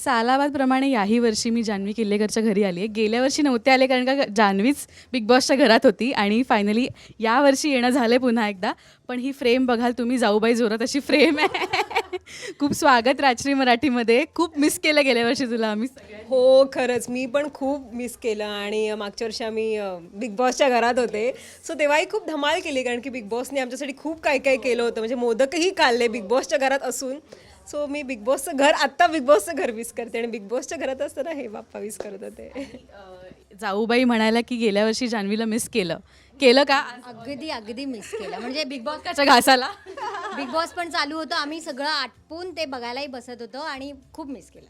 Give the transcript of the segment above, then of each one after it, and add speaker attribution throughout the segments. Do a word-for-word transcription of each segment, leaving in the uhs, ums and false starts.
Speaker 1: सालाबादप्रमाणे याही वर्षी मी जान्हवी किल्लेकरच्या घरी आली आहे. गेल्या वर्षी नव्हते आले कारण का जान्हवीच बिग बॉसच्या घरात होती आणि फायनली यावर्षी येणं झालं पुन्हा एकदा. पण ही फ्रेम बघाल तुम्ही, जाऊबाई जोरात अशी फ्रेम आहे. खूप स्वागत राजश्री मराठीमध्ये. खूप मिस केलं गेल्या वर्षी तुला आम्ही सगळे.
Speaker 2: हो खरंच मी पण खूप मिस केलं आणि मागच्या वर्षी आम्ही बिग बॉसच्या घरात होते, सो तेव्हाही खूप धमाल केली कारण की बिग बॉसने आमच्यासाठी खूप काय काय केलं होतं. म्हणजे मोदकही काढले बिग बॉसच्या घरात असून. सो मी बिग बॉसचं घर आत्ता बिग बॉसचं घर मिस करते आणि बिग बॉसच्या घरात असताना हे बाप्पा मिस करत होते.
Speaker 1: जाऊबाई म्हणायला की गेल्या वर्षी जान्हवीला मिस केलं केलं का?
Speaker 3: अगदी अगदी मिस केलं. म्हणजे बिग बॉस
Speaker 1: त्याच्या घासाला
Speaker 3: बिग बॉस पण चालू होतं, आम्ही सगळं आटपून ते बघायलाही बसत होतो आणि खूप मिस केलं.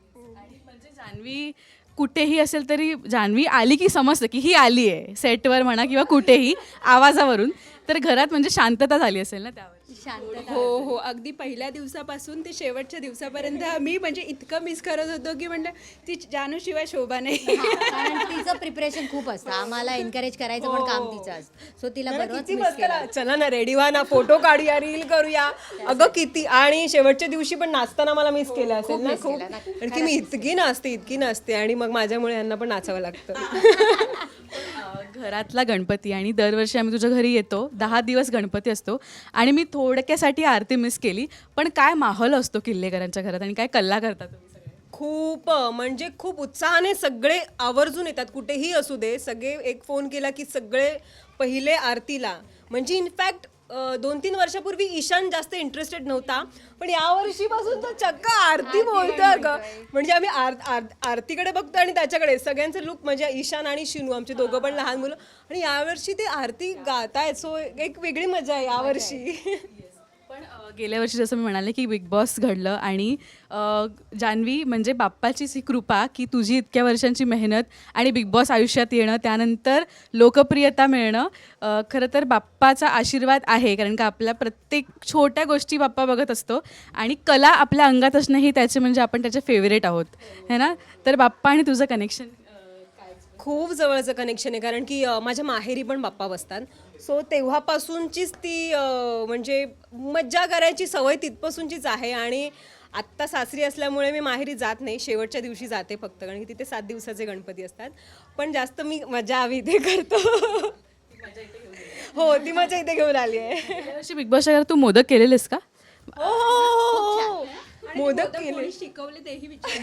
Speaker 1: म्हणजे जान्हवी कुठेही असेल तरी जान्हवी आली की समजतं की ही आली आहे, सेटवर म्हणा किंवा कुठेही आवाजावरून. तर घरात म्हणजे शांतता झाली असेल ना त्यावर.
Speaker 3: शांतता.
Speaker 4: हो हो अगदी पहिल्या दिवसापासून ते शेवटच्या दिवसापर्यंत मी म्हणजे इतकं मिस करत होतो की म्हणलं ती जानूशिवाय शोभा नाही.
Speaker 3: कारण तिचं प्रिपरेशन खूप असतं, आम्हाला एनकरेज करायचं पण काम तिचं असतं. सो तिला बरोबर
Speaker 2: किती
Speaker 3: मिस
Speaker 2: मस्त
Speaker 3: केलं.
Speaker 2: ना, चला ना रेडी व्हा ना, फोटो काढूया, रील करूया. अगं किती, आणि शेवटच्या दिवशी पण नाचताना मला मिस केलं असेल ना खूप. कारण की मी इतकी नाचते इतकी नाचते आणि मग माझ्यामुळे यांना पण नाचावं लागतं.
Speaker 1: घरातला गणपती आणि दरवर्षी आम्ही तुझ्या घरी येतो, दहा दिवस गणपती असतो आणि मी थोडक्यासाठी आरती मिस केली. पण काय माहोल असतो किल्लेकरांच्या घरात आणि काय कल्ला करता तुम्ही सगळे?
Speaker 2: खूप म्हणजे खूप उत्साहाने सगळे आवर्जून येतात, कुठेही असू दे. सगळे एक फोन केला की सगळे पहिले आरतीला. म्हणजे इनफॅक्ट दोन तीन वर्षापूर्वी ईशान जास्त इंटरेस्टेड नव्हता, पण या वर्षीपासून तो चक्क आरती बोलतोय ग. म्हणजे आम्ही आर आर- आरतीकडे बघतो आणि त्याच्याकडे सगळ्यांचे लुक, म्हणजे ईशान आणि शिनू आमचे दोघं पण लहान मुलं, आणि यावर्षी ते आरती गातायत. सो एक वेगळी मजा आहे यावर्षी.
Speaker 1: पण अ, गेल्या वर्षी जसं मी म्हणाले की बिग बॉस घडलं आणि अ, जान्हवी म्हणजे बाप्पाचीच ही कृपा की तुझी इतक्या वर्षांची मेहनत आणि बिग बॉस आयुष्यात येणं, त्यानंतर लोकप्रियता मिळणं, अ, खरं तर बाप्पाचा आशीर्वाद आहे. कारण का आपल्या प्रत्येक छोट्या गोष्टी बाप्पा बघत असतो आणि कला आपल्या अंगात असणं ही त्याचे म्हणजे आपण त्याचे फेवरेट आहोत है ना. तर बाप्पा आणि तुझं कनेक्शन
Speaker 2: खूप जवळचं कनेक्शन आहे कारण की अ, माझ्या माहेरी पण बाप्पा बसतात. सो तेव्हापासूनचीच ती अ, म्हणजे मज्जा करायची सवय तिथपासूनचीच आहे. आणि आत्ता सासरी असल्यामुळे मी माहेरी जात नाही, शेवटच्या दिवशी जाते फक्त, कारण की तिथे सात दिवसाचे गणपती असतात. पण जास्त मी मजा आम्ही इथे करतो. हो, ती मजा इथे घेऊन आली आहे.
Speaker 1: गेल्या वर्षी बिग बॉसच्या घरात तू मोदक केलेलेस का?
Speaker 2: हो, हो, हो, हो. मोदक केले.
Speaker 4: कोणी शिकवले तेही विचार.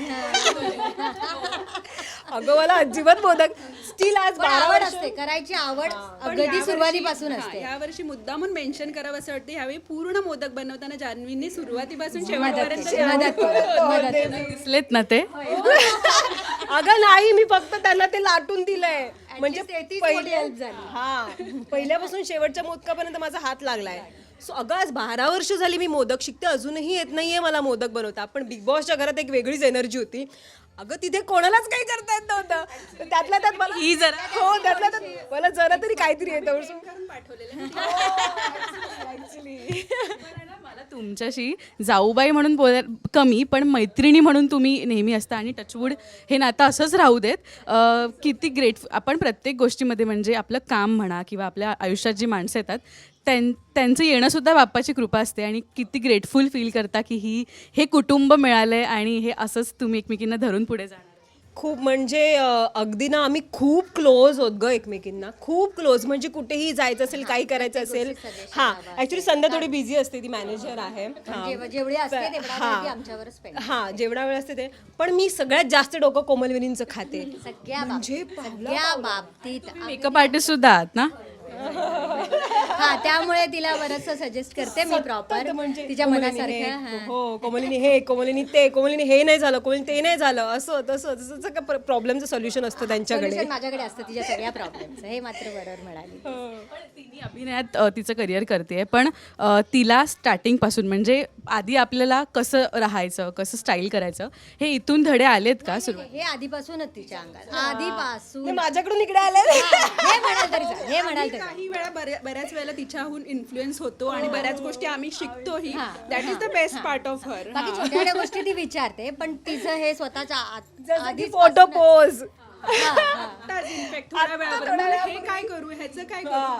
Speaker 2: अगं मला अजिबात मोदक स्टील आज
Speaker 3: पण
Speaker 2: बारा
Speaker 3: आवड
Speaker 2: वर्ष
Speaker 3: असते, करायची आवड
Speaker 4: पण
Speaker 3: अगदी
Speaker 4: यावर्षी-
Speaker 3: सुरुवातीपासून
Speaker 4: हा,
Speaker 3: असते.
Speaker 4: यावर्षी मुद्दामून मेन्शन करावं असं वाटतं, ह्यावेळी पूर्ण मोदक बनवताना जान्हवींनी सुरुवातीपासून
Speaker 3: मदत
Speaker 4: शेवटपर्यंत
Speaker 3: केली, मदत केली, मदत केली.
Speaker 1: दिसलेत ना ते?
Speaker 2: अगं नाही, मी फक्त त्यांना ते लाटून दिलंय. म्हणजे
Speaker 3: तेहतीस
Speaker 2: पहिले-
Speaker 3: मोठी help झाली.
Speaker 2: हा, पहिल्यापासून शेवटच्या मोदकापर्यंत माझा हात लागलाय. सो अगं आज बारा वर्ष झाली मी मोदक शिकते, अजूनही येत नाहीये मला मोदक बनवता. पण बिग बॉसच्या घरात एक वेगळीच एनर्जी होती. अगं तिथे कोणालाच काही करता येत नव्हतं, तर त्यातल्या त्यात मला
Speaker 1: ही जरा
Speaker 2: हो त्यातल्या त्यात मला जरा तरी काहीतरी येतं.
Speaker 1: मला तुमच्याशी जाऊबाई म्हणून बोल कमी, पण मैत्रिणी म्हणून तुम्ही नेहमी असता आणि टचवूड हे नातं असंच राहू देत. अ, किती ग्रेट आपण प्रत्येक गोष्टीमध्ये म्हणजे आपलं काम म्हणा किंवा आपल्या आयुष्यात जी माणसं येतात त्यां त्यांचं येणंसुद्धा बाप्पाची कृपा असते आणि किती ग्रेटफुल फील करता की ही हे कुटुंब मिळालं आहे आणि हे असंच तुम्ही एकमेकींना धरून पुढे जाणार.
Speaker 2: खूप म्हणजे अ, अगदी ना आम्ही खूप क्लोज होत ग एकमेकींना, खूप क्लोज. म्हणजे कुठेही जायचं असेल, काही करायचं असेल. हां, ॲक्च्युली संध्या थोडी बिझी असते, ती मॅनेजर आहे. हां.
Speaker 3: जेव- जेवढी असते तेवढा
Speaker 2: हां.
Speaker 3: वेळ ती आमच्यावर spend.
Speaker 2: हां, जेवढा वेळ असते ते. पण मी सगळ्यात जास्त डोकं कोमलविनींचं खाते.
Speaker 3: सगळ्या
Speaker 2: म्हणजे
Speaker 3: बाबतीत सगळ्या बाबतीत
Speaker 1: मेकअप आर्टिस्ट सुद्धा आहात ना?
Speaker 3: हा, त्यामुळे तिला बरंचसं सजेस्ट करते मी प्रॉपर
Speaker 2: म्हणजे
Speaker 3: तिच्या
Speaker 2: कोमलिनी हे,
Speaker 3: मनासारखं. हा.
Speaker 2: हो कोमलिनी हे, कोमलिनी ते, कोमलिनी हे नाही झालं, कोमलिनी ते नाही झालं, असं तसं तसं काय प्रॉब्लेमचं सोल्युशन असतं त्यांच्याकडे.
Speaker 3: Solution माझ्याकडे असतं तिच्या सगळ्या प्रॉब्लेमचं, हे मात्र बरोबर म्हणाली.
Speaker 1: पण तिने अभिनयात अ, तिचं करिअर करते, पण अ, तिला स्टार्टिंगपासून म्हणजे आधी आपल्याला कसं राहायचं, कसं स्टाईल करायचं, हे इथून धडे आलेत का सुरुवात?
Speaker 3: हे आधीपासूनच तिच्या अंगात, आधीपासून.
Speaker 2: ते माझ्याकडून इकडे आले.
Speaker 3: हे म्हणाल तरी चालेल, हे म्हणाल तरी चालेल.
Speaker 4: काही वेळा बऱ्या- बऱ्याच वेळेला तिच्याहून इन्फ्लुएन्स होतो आणि बऱ्याच गोष्टी आम्ही शिकतोही. That is the best part of her.
Speaker 3: बाकी छोट्या छोट्या गोष्टी ती विचारते, पण तिचं हे स्वतःच्या आत- आधीच
Speaker 2: फोटो पोज.
Speaker 4: इनफॅक्ट थोड्या वेळापर्यंत हे काय करू, ह्याचं काय करू, ती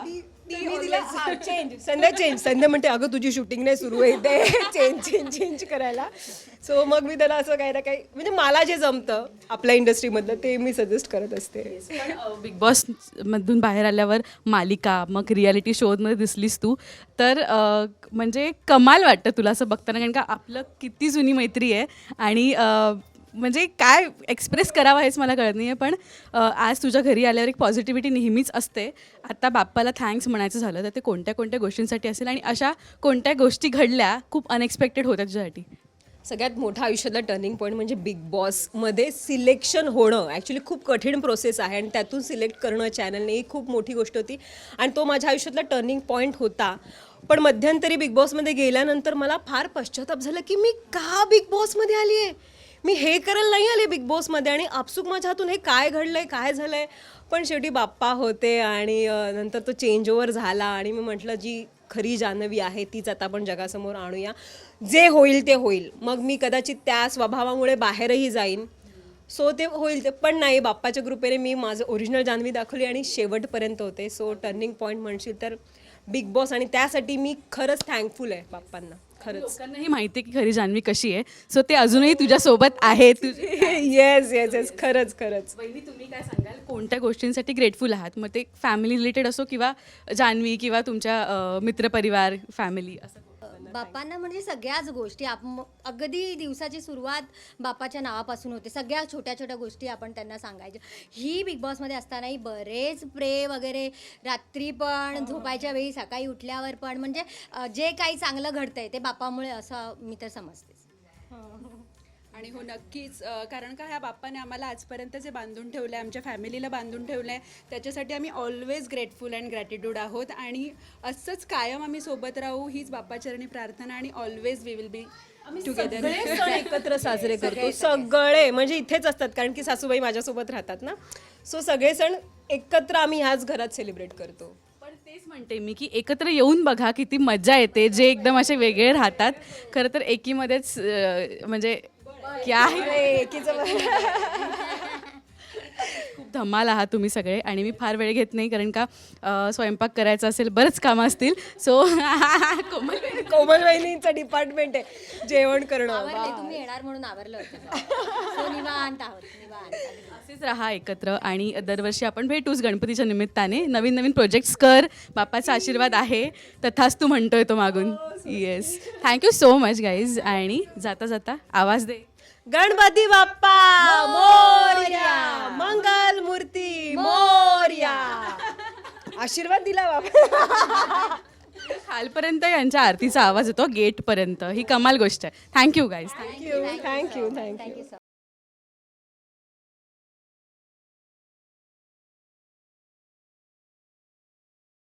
Speaker 2: मी तिला चेंज संध्या चेंज संध्या म्हणते अगं तुझी शूटिंग नाही सुरू आहे ते चेंज चेंज चेंज करायला. सो मग मी त्याला असं काही ना काही म्हणजे मला जे जमतं आपल्या इंडस्ट्रीमधलं ते मी सजेस्ट करत असते.
Speaker 1: पण बिग बॉस मधून बाहेर आल्यावर मालिका मग रियालिटी शोमध्ये दिसलीस तू तर अ, म्हणजे कमाल वाटतं तुला असं बघताना कारण का आपलं किती जुनी मैत्री आहे आणि अ, म्हणजे काय एक्सप्रेस करावं हेच मला कळत नाही आहे पण अ, आज तुझ्या घरी आल्यावर एक पॉझिटिव्हिटी नेहमीच असते. आता बाप्पाला थँक्स म्हणायचं झालं तर ते कोणत्या कोणत्या गोष्टींसाठी असेल आणि अशा कोणत्या गोष्टी घडल्या खूप अनएक्सपेक्टेड होत्या तुझ्यासाठी.
Speaker 2: सगळ्यात मोठा आयुष्यातला टर्निंग पॉईंट म्हणजे बिग बॉसमध्ये सिलेक्शन होणं ॲक्च्युली खूप कठीण प्रोसेस आहे आणि त्यातून सिलेक्ट करणं चॅनलने ही खूप मोठी गोष्ट होती आणि तो माझ्या आयुष्यातला टर्निंग पॉईंट होता. पण मध्यंतरी बिग बॉसमध्ये गेल्यानंतर मला फार पश्चाताप झाला की मी का बिग बॉसमध्ये आली आहे. मी हे करायला नाही आले बिग बॉसमध्ये आणि आपसूक माझ्या हातून हे काय घडलं आहे काय झालं आहे. पण शेवटी बाप्पा होते आणि अ, नंतर तो चेंज ओव्हर झाला आणि मी म्हटलं जी खरी जान्हवी आहे तीच आता आपण जगासमोर आणूया. जे होईल ते होईल. मग मी कदाचित त्या स्वभावामुळे बाहेरही जाईन सो ते होईल ते पण नाही बाप्पाच्या कृपेने मी माझं ओरिजिनल जान्हवी दाखवली आणि शेवटपर्यंत होते. सो टर्निंग पॉईंट म्हणशील तर बिग बॉस आणि त्यासाठी मी खरंच थँकफुल आहे बाप्पांना खरंच.
Speaker 1: लोकांनाही माहिती आहे की खरी जान्हवी कशी आहे सो ते अजूनही तुझ्यासोबत आहे. तुझे
Speaker 2: येस येस येस खरंच खरंच.
Speaker 1: वहिनी तुम्ही काय सांगाल कोणत्या गोष्टींसाठी ग्रेटफुल आहात मग ते फॅमिली रिलेटेड असो किंवा जान्हवी किंवा तुमच्या अ, मित्रपरिवार फॅमिली असं.
Speaker 3: बाप्पांना म्हणजे सगळ्याच गोष्टी आप अगदी दिवसाची सुरुवात बाप्पाच्या नावापासून होते. सगळ्या छोट्या छोट्या गोष्टी आपण त्यांना सांगायच्या. ही बिग बॉसमध्ये असतानाही बरेच प्रे वगैरे रात्री पण झोपायच्या वेळी सकाळी उठल्यावर पण म्हणजे अ, जे काही चांगलं घडतंय ते बाप्पामुळे असं मी तर समजतेच.
Speaker 4: आणि हो नक्कीच अ, कारण का ह्या बाप्पाने आम्हाला आजपर्यंत जे बांधून ठेवलं आहे आमच्या फॅमिलीला बांधून ठेवलं आहे त्याच्यासाठी आम्ही ऑलवेज ग्रेटफुल अँड ग्रॅटिट्यूड आहोत आणि असंच कायम आम्ही सोबत राहू हीच बाप्पाचरणी प्रार्थना आणि always we will be together.
Speaker 2: सगळे सण एकत्र साजरे करतो सगळे म्हणजे इथेच असतात कारण की सासूबाई माझ्यासोबत राहतात ना. सो सगळे सण एकत्र आम्ही ह्याच घरात सेलिब्रेट करतो.
Speaker 1: पण तेच म्हणते मी की एकत्र येऊन बघा किती मजा येते जे एकदम असे वेगळे राहतात खरं तर एकीमध्येच अ, म्हणजे क्या आहे खूप धमाल आहात तुम्ही सगळे आणि मी फार वेळ घेत नाही कारण का अ, स्वयंपाक करायचा असेल बरंच कामं असतील सो कोमल
Speaker 2: कोमल वहिनींचं डिपार्टमेंट आहे जेवण करणं.
Speaker 3: आवरले तुम्ही येणार म्हणून आवरलं होतं. So, निवांत आहोत निवांत.
Speaker 1: असेच राहा एकत्र आणि दरवर्षी आपण भेटूच गणपतीच्या निमित्ताने नवीन नवीन प्रोजेक्ट्स कर बाप्पाचा आशीर्वाद आहे तथाच तू म्हणतोय तो मागून. Yes thank you so much guys आणि जाता जाता आवाज दे
Speaker 2: गणपती बाप्पा मोरया मंगल मूर्ती मोरया. आशीर्वाद दिला बाप्पा.
Speaker 1: खालपर्यंत यांच्या आरतीचा आवाज येतो गेटपर्यंत ही कमाल गोष्ट आहे. Thank you guys.
Speaker 2: Thank you thank you thank you.
Speaker 3: Thank you so